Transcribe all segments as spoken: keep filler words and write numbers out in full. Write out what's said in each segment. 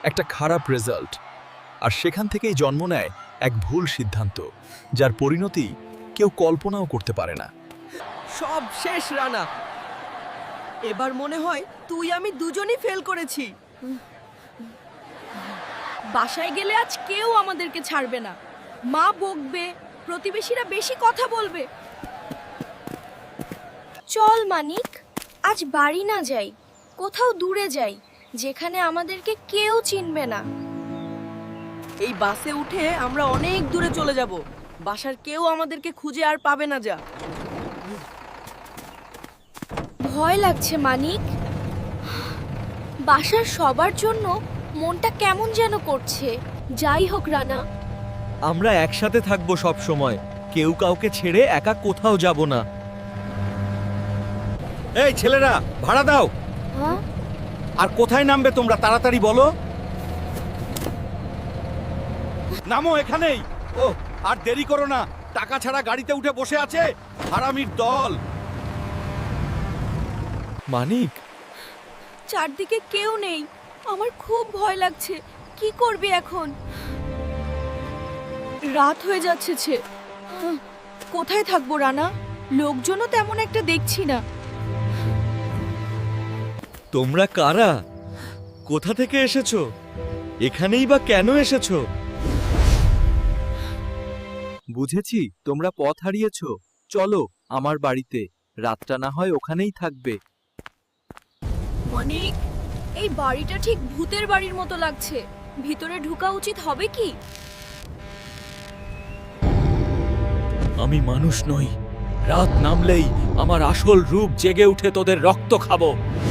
একটা খারাপ রেজাল্ট, আর সেখান থেকেই জন্ম নেয় এক ভুল সিদ্ধান্ত, যার পরিণতি কেউ কল্পনাও করতে পারে না। সব শেষ রানা। এবার মনে হয় তুই আমি দুজনই ফেল করেছি। বাসায় গেলে আজ কেউ আমাদেরকে ছাড়বে না। মা বকবে, প্রতিবেশীরা বেশি কথা বলবে। চল মানিক, আজ বাড়ি না যাই, কোথাও দূরে যাই, যেখানে আমাদেরকে কেউ চিনবে না। এই বাসে উঠে আমরা অনেক দূরে চলে যাব। বাসার কেউ আমাদেরকে খুঁজে আর পাবে না। যা ভয় লাগছে মানিক। বাসার সবার জন্য মনটা কেমন যেন করছে। যাই হোক রানা, আমরা একসাথে থাকবো সব সময়, কেউ কাউকে ছেড়ে একা কোথাও যাব না। এই ছেলেরা, ভাড়া দাও। হ্যাঁ? আর কোথায় নামবে তোমরা, তাড়াতাড়ি বলো। নামো এখানেই। ও, আর দেরি করো না, টাকা ছাড়া গাড়িতে উঠে বসে আছে হারামির দল। মানিক, চারদিকে কেউ নেই, আমার খুব ভয় লাগছে। কি করবি এখন? রাত হয়ে যাচ্ছে ছে। আহ, কোথায় থাকবো রানা? লোকজনও তেমন একটা দেখছি না। তোমরা কারা? কোথা থেকে এসেছো? এখানেই বা কেন এসেছো? বুঝেছি, তোমরা পথ হারিয়েছো। চলো আমার বাড়িতে, রাতটা না হয় ওখানেই থাকবে। মানিক, এই বাড়িটা ঠিক ভূতের বাড়ির মতো লাগছে। ভিতরে ঢোকা উচিত হবে কি? আমি মানুষ নই। রাত নামলেই আমার আসল রূপ জেগে উঠে তোদের রক্ত খাবো।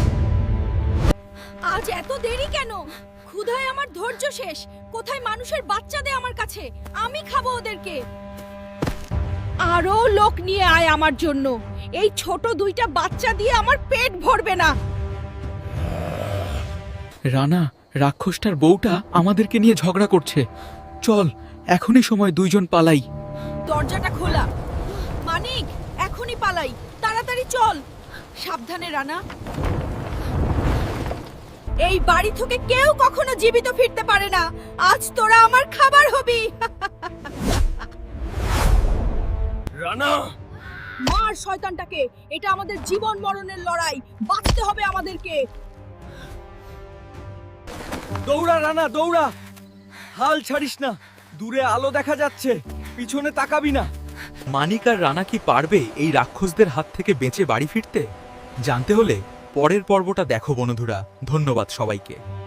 আজ এত দেরি কেন? ক্ষুধায় আমার ধৈর্য শেষ। কোথায় মানুষের বাচ্চা দে আমার কাছে, আমি খাবো ওদেরকে। আরো লোক নিয়ে আয় আমার জন্য। এই ছোট দুইটা বাচ্চা দিয়ে আমার পেট ভরবে না। রানা, রাক্ষসটার বউটা আমাদেরকে নিয়ে ঝগড়া করছে। চল, এখনই সময় দুইজন পালাই। দরজাটা খোলা। মানিক, এখনই পালাই, তাড়াতাড়ি চল। সাবধানে রানা। এই বাড়ি থেকে কেউ কখনো জীবিত ফিরতে পারে না। আজ তোরা আমার খাবার হবি। রানা, মার শয়তানটাকে। এটা আমাদের জীবন মরণের লড়াই, বাঁচতে হবে আমাদেরকে। দৌড়া রানা, দৌড়া। হাল ছাড়িস না। দূরে আলো দেখা যাচ্ছে, পিছনে তাকাবি না। মানিক আর রানা কি পারবে এই রাক্ষসদের হাত থেকে বেঁচে বাড়ি ফিরতে? জানতে হলে পরের পর্বটা দেখো বন্ধুরা। ধন্যবাদ সবাইকে।